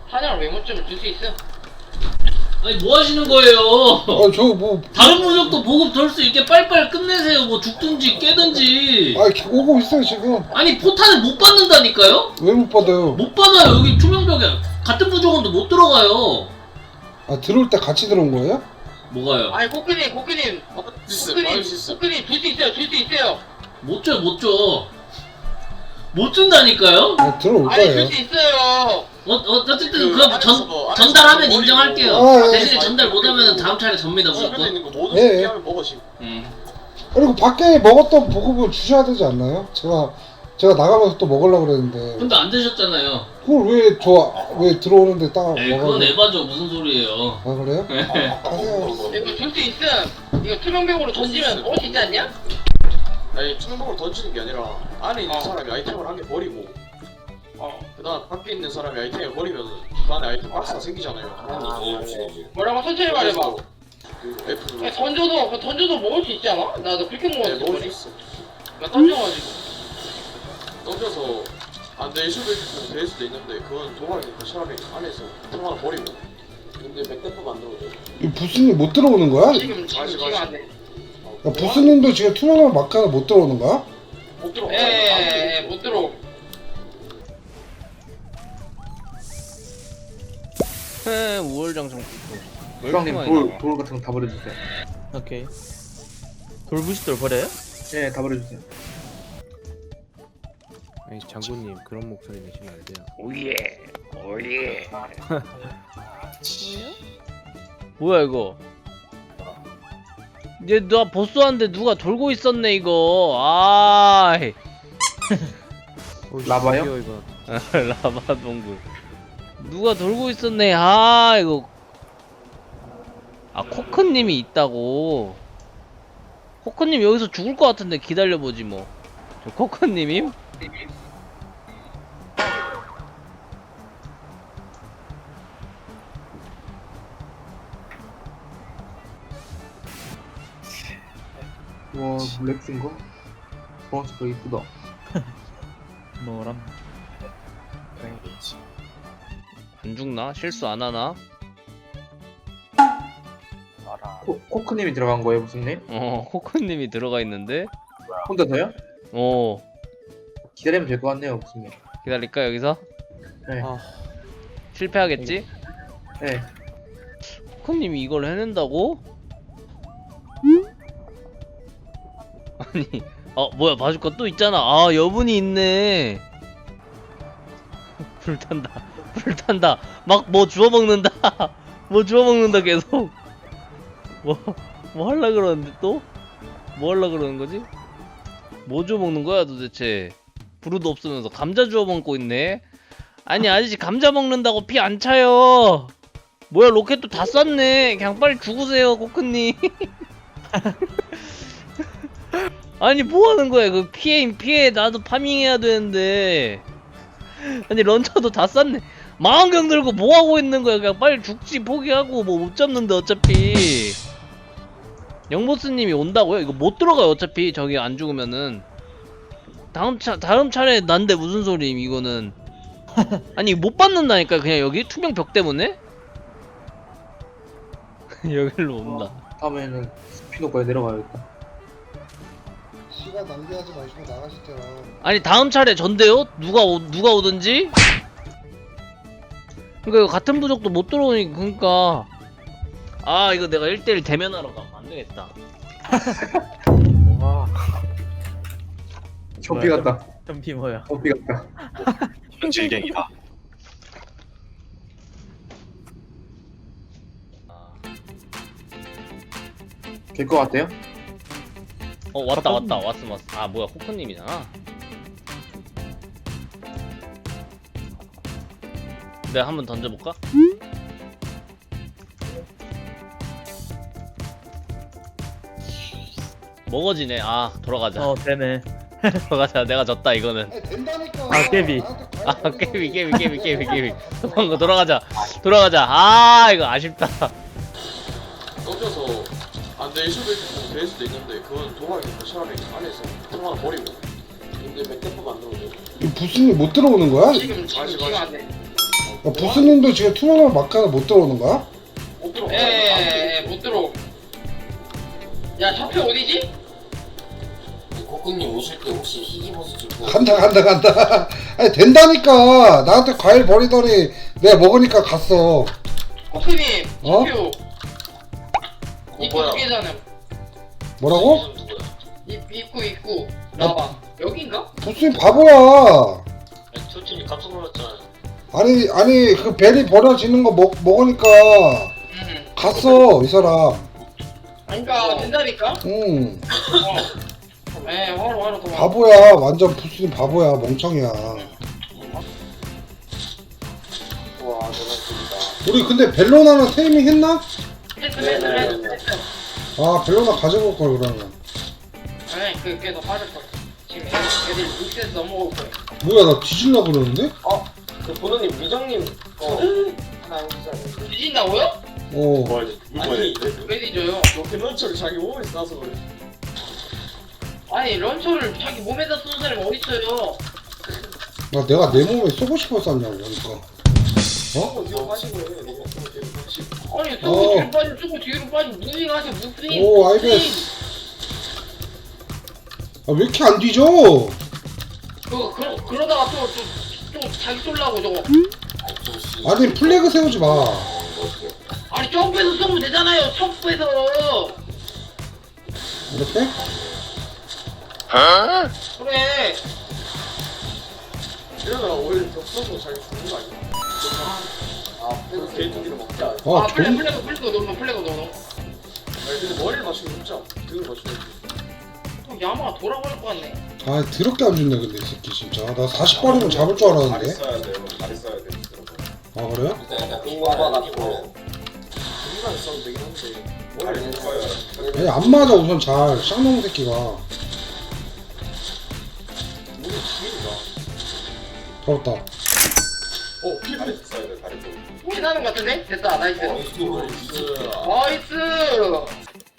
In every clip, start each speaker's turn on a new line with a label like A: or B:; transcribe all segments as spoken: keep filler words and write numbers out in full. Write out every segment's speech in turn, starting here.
A: 사냥 메모점을 줄 수 있어.
B: 아니 뭐 하시는 거예요?
C: 아 저 뭐
B: 다른 무적도 보급 덜 수 있게 빨리빨리 끝내세요. 뭐 죽든지 깨든지.
C: 아 오고 있어요 지금.
B: 아니 포탄을 못 받는다니까요?
C: 왜 못 받아요?
B: 못 받아요. 여기 투명벽에 같은 무적원도 못 들어가요.
C: 아 들어올 때 같이 들어온 거예요?
B: 뭐가요?
A: 아니 코크님 코크님 코크님 코크님 줄 수 있어요. 줄 수 있어요.
B: 못 줘, 못 줘. 못 준다니까요?
C: 아 들어올
A: 아니
C: 거예요.
A: 줄 수 있어요.
B: 어, 어, 어쨌든
D: 그
B: 그럼
D: 안에서
B: 전,
D: 뭐,
B: 전달하면
D: 안에서
B: 인정할게요.
C: 아, 예.
B: 대신에 전달 못하면 다음 차례 접니다,
D: 주변에
B: 무조건.
D: 있는 거 모든
C: 예, 예.
D: 하면 먹어 지금.
B: 음.
C: 그리고 밖에 먹었던 보급을 주셔야 되지 않나요? 제가 제가 나가면서 또 먹으려고 그랬는데
B: 근데 안 드셨잖아요.
C: 그걸 왜 저 왜 들어오는데 딱
B: 에이, 그건
C: 먹어요?
B: 에바죠. 무슨 소리예요.
C: 아 그래요? 가세요.
A: 이거 줄 수 있음. 이거 투명벽으로 던지면 먹을 수 있지 않냐?
D: 아니 투명벽으로 던지는 게 아니라 안에 있는
A: 어.
D: 사람이 아이템을 한 개 버리고
A: 어.
D: 그다음 밖에 있는 사람이 아이템을 버리면 그 안에 아이템 박스가 생기잖아요.
A: 뭐라고 천천히 말해봐.
D: 그 F
A: 그냥 던져도 그냥 던져도 먹을 수 있지 않아? 나도 그렇게
D: 네,
A: 먹었어.
D: 먹을 수 있어.
A: 나 던져가지고.
D: 던져서 안 될 수도 있고 될 수도 있는데 그건 도박이니까 사람이 안에서 템 하나 버리고. 근데 맥대포 만들어줘.
C: 이 부스님 못 들어오는 거야?
A: 지금 지금 지금 안 돼.
C: 야, 부스님도 지금 투명한 마카는 못 들어오는 거야?
D: 못 들어.
A: 에에에 못 들어.
E: 에 우월장성
F: 주방님 돌, 돌 같은 거 다 버려주세요.
E: 오케이. 돌부싯돌 버려요?
F: 네, 다 버려주세요.
G: 아니 장군님 그런 목소리 내시면 안 돼요.
E: 오예 오예. 뭐야 이거? 얘 나 보스한테 누가 돌고 있었네 이거. 아이.
G: 어,
F: 라바요?
G: 저기요, 이거.
E: 라바 동굴. 누가 돌고 있었네. 아 이거. 아 코크님이 있다고. 코크님 여기서 죽을 것 같은데 기다려보지 뭐. 저 코크님임?
F: 와, 블랙스인 거? 주황색 거 이쁘다.
E: 뭐람? 안 죽나? 실수 안 하나?
F: 코, 코크님이 들어간 거예요, 무슨님?
E: 어 코크님이 들어가 있는데.
F: 혼자서요?
E: 어
F: 기다리면 될 것 같네요, 무슨님.
E: 기다릴까 여기서?
F: 네.
G: 아.
E: 실패하겠지?
F: 네.
E: 코크님이 이걸 해낸다고? 아니 어 뭐야 바주카 또 있잖아. 아 여분이 있네. 불탄다 불탄다 막 뭐 주워먹는다. 뭐 주워먹는다 계속. 뭐 뭐 할라 그러는데 또? 뭐 할라 그러는 거지? 뭐 주워먹는 거야 도대체? 부르도 없으면서 감자 주워먹고 있네. 아니 아저씨 감자 먹는다고 피 안 차요. 뭐야 로켓도 다 쐈네. 그냥 빨리 죽으세요 코크님. 아니 뭐하는 거야 그 피해 피해 나도 파밍해야 되는데. 아니 런처도 다 쐈네. 망원경 들고 뭐하고 있는 거야. 그냥 빨리 죽지 포기하고 뭐 못 잡는데 어차피. 영보스님이 온다고요? 이거 못 들어가요 어차피 저기 안 죽으면은. 다음 차 다음 차례 난데 무슨 소리임 이거는. 아니 못 받는다니까 그냥 여기 투명 벽 때문에. 여기로 온다.
F: 다음에는 스피노까지 내려가야겠다.
C: 시간 낭비하지 마시고 나가시죠.
E: 아니 다음 차례 전데요? 누가 오, 누가 오든지? 그러니까 이거 같은 부족도 못 들어오니 그러니까. 아 이거 내가 일 대일 대면하러 가면 안 되겠다.
G: 와.
F: 좀비 같다.
E: 점피 뭐야?
F: 좀비 같다.
H: 현질갱이다.
F: 될 것 같아요?
E: 어 왔다 왔다 왔음 왔음. 아 뭐야 코크님이잖아. 내가 한번 던져볼까? 먹어지네. 아 돌아가자.
I: 어 되네.
E: 돌아가자. 내가 졌다 이거는.
C: 아니, 된다니까.
I: 아, 깨비.
E: 아 깨비 깨비 깨비 깨비 깨비. 도망가 돌아가자. 돌아가자. 아 이거 아쉽다.
D: 던져서 안 될 수도 있고 될 수도 있는데 그건 도박이니까 사람이 안에서 템 하나 버리고. 근데 맥대포 만들어줘.
C: 이 부스님 못 들어오는 거야?
A: 지금 지금 지금 안 돼.
C: 야, 아, 부스님도 지금 투명한 마카는 못 들어오는 거야?
D: 못 들어.
A: 에에에 못 들어. 야 좌표 어디지?
I: 코코님 오실 때 혹시 희귀버섯 좀
C: 간다 간다 간다. 아니 된다니까. 나한테 과일 버리더니 내가 먹으니까 갔어.
A: 코크님
C: 어?
A: 좌표. 입구
D: 뭐야?
A: 두 개잖아.
C: 뭐라고?
A: 입 입구 입구. 나봐. 여긴가?
C: 부스님 바보야.
D: 투팀이 깜짝 놀랐잖아.
C: 아니 아니 그 베리 버려지는 거 먹, 먹으니까
A: 응.
C: 갔어 이 사람.
A: 그러니까 된다니까.
C: 응.
A: 어. 에 화로 화로 도망.
C: 바보야. 완전 부스님 바보야. 멍청이야.
D: 와 대단했습니다.
C: 우리 근데 벨로나는 테이밍 했나?
A: 했어 했어 했어 했어.
C: 아 벨로나 가져올 걸 그러면.
A: 아니 그 걔도 빠질 거야. 지금 애들 애들 육세에서 넘어올 거야.
C: 뭐야 나 뒤질라 그러는데?
D: 그 보노님 미정님 어 하나 해주세요.
A: 뒤진다고요?
C: 어.
H: 뭐 이제
D: 아니
A: 왜 뒤져요?
D: 너 밸런처를 자기 몸에 싸서 그래.
A: 아니 런처를 자기 몸에다 쏘는 사람이 어딨어요?
C: 나 내가 내 몸에 쏘고 싶어 쐈냐고 그러니까.
D: 어? 이거 마시고 해. 이거 뒤로 마시고.
A: 아니
C: 어.
A: 쏘고 뒤로 빠지고 쏘고 뒤로 빠지고 무빙하세요 무빙.
C: 오, 알겠어. 아 왜 이렇게 안 뒤져?
A: 그거 그러, 그러다가 또 또 또 자기 쏠라고 저거.
C: 아니 플래그 세우지 마.
A: 아니 점프해서 쏘면 되잖아요. 점프해서.
C: 이렇게?
A: 그래.
D: 이러다가 오히려 격서도 자기 죽는 거 아니야? 아, 그래서 개인기를 먹자.
C: 아,
A: 아 플래
C: 좀
A: 플래그 플래그 넣어 플래그 넣어.
D: 아니 근데 머리를 맞추면 진짜 등을 맞추면
A: 또 야마가 돌아버릴 것 같네.
C: 아 더럽게 안 준네 근데 이 새끼 진짜. 나 사십 발이면 잡을 줄 알았는데.
H: 써야 돼요. 다리 써야 돼요.
C: 아 그래요?
I: 공부하다 같고
D: 등만 써도 되긴 한데
H: 다리
D: 머리를
H: 써야
C: 아니 안 맞아 우선 잘. 쌍놈 새끼가.
D: 우리 죽인다.
C: 더럽다.
D: 어, 필
H: 다리 써야 돼. 다리 써.
A: 피나는 것 같은데? 됐다 나이스.
D: 나이스.
A: 나이스.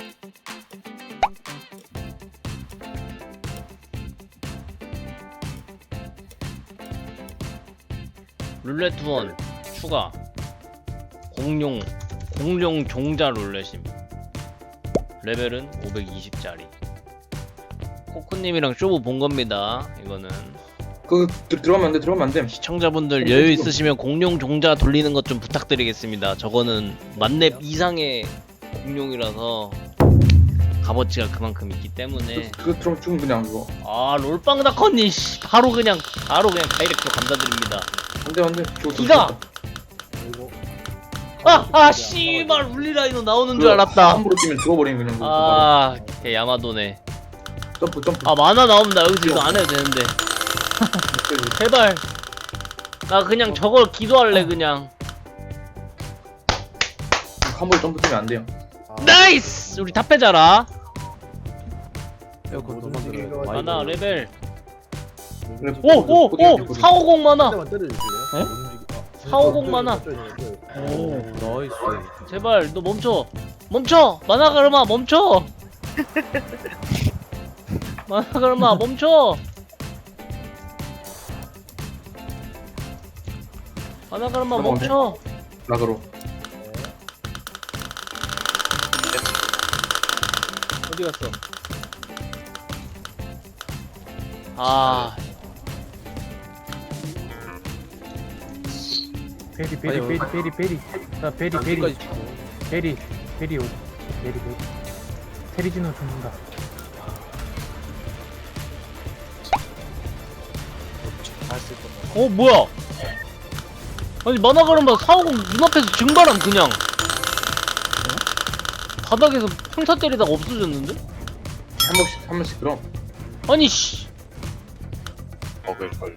E: 룰렛 투원 추가. 공룡 공룡 종자 룰렛임. 레벨은 오백이십짜리. 코코님이랑 쇼부 본 겁니다. 이거는
F: 그 들- 들어가면 안돼 들어가면 안돼.
E: 시청자분들 여유 있으시면 공룡 종자 돌리는 것 좀 부탁드리겠습니다. 저거는 만렙 이상의 공룡이라서 값어치가 그만큼 있기 때문에.
F: 그 들어가면 죽으면 그냥 그거.
E: 아 롤빵다커님 씨, 바로 그냥 바로 그냥 다이렉트로 감사드립니다.
F: 안돼 안돼.
E: 기가! 아아 씨발 울리라이너 나오는 줄 알았다.
F: 함부로 뛰면 죽어버리면 그냥. 그거
E: 아 걔 야마도네.
F: 바로. 점프 점프.
E: 아 만화 나옵니다. 여기서 이거 안 해도 되는데 제발. 나 그냥 저걸 기도할래 그냥.
F: 함부로 점프 뛰면 안 돼요.
E: 나이스! 우리 다 빼자라.
G: 에어컨 더 만들어요.
E: 만화 레벨
F: 그래,
E: 오오오
F: 포기하고
E: 사오공 만화.
G: 때려주실래요?
E: 에? 사오공 만화.
G: 오 나이스.
E: 제발 너 멈춰 멈춰 만화 가르마 멈춰. 만화 가르마 멈춰. 만화 가르마 멈춰.
F: 락으로.
E: 어디 갔어? 아
J: 베리 베리 베리 베리 베리 나 베리 베리 베리 베리 오 베리 베리 테리지노 죽는다.
E: 어 뭐야? 아니 만화 가르마 사오공 눈앞에서 증발함 그냥. 바닥에서 평타 때리다가 없어졌는데?
F: 한 번씩 한 번씩 그럼.
E: 아니 씨.
H: 먹을 걸요.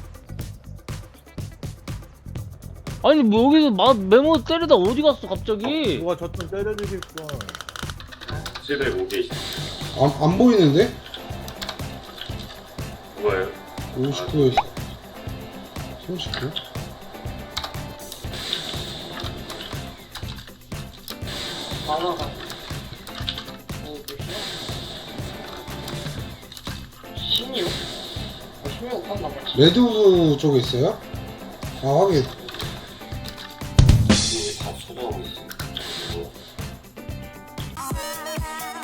E: 아니 뭐 여기서 마, 메모 때리다 어디 갔어 갑자기?
G: 누가 저 좀 때려주겠어.
H: 칠백오 개
C: 안, 안 보이는데?
H: 뭐예요?
C: 오십구에서 삼십구?
A: 만화가. 오 몇이야? 십육? 어, 십육 샀나 보지.
C: 레드우드 쪽에 있어요? 아 확인.
I: 다 초조하고 있어.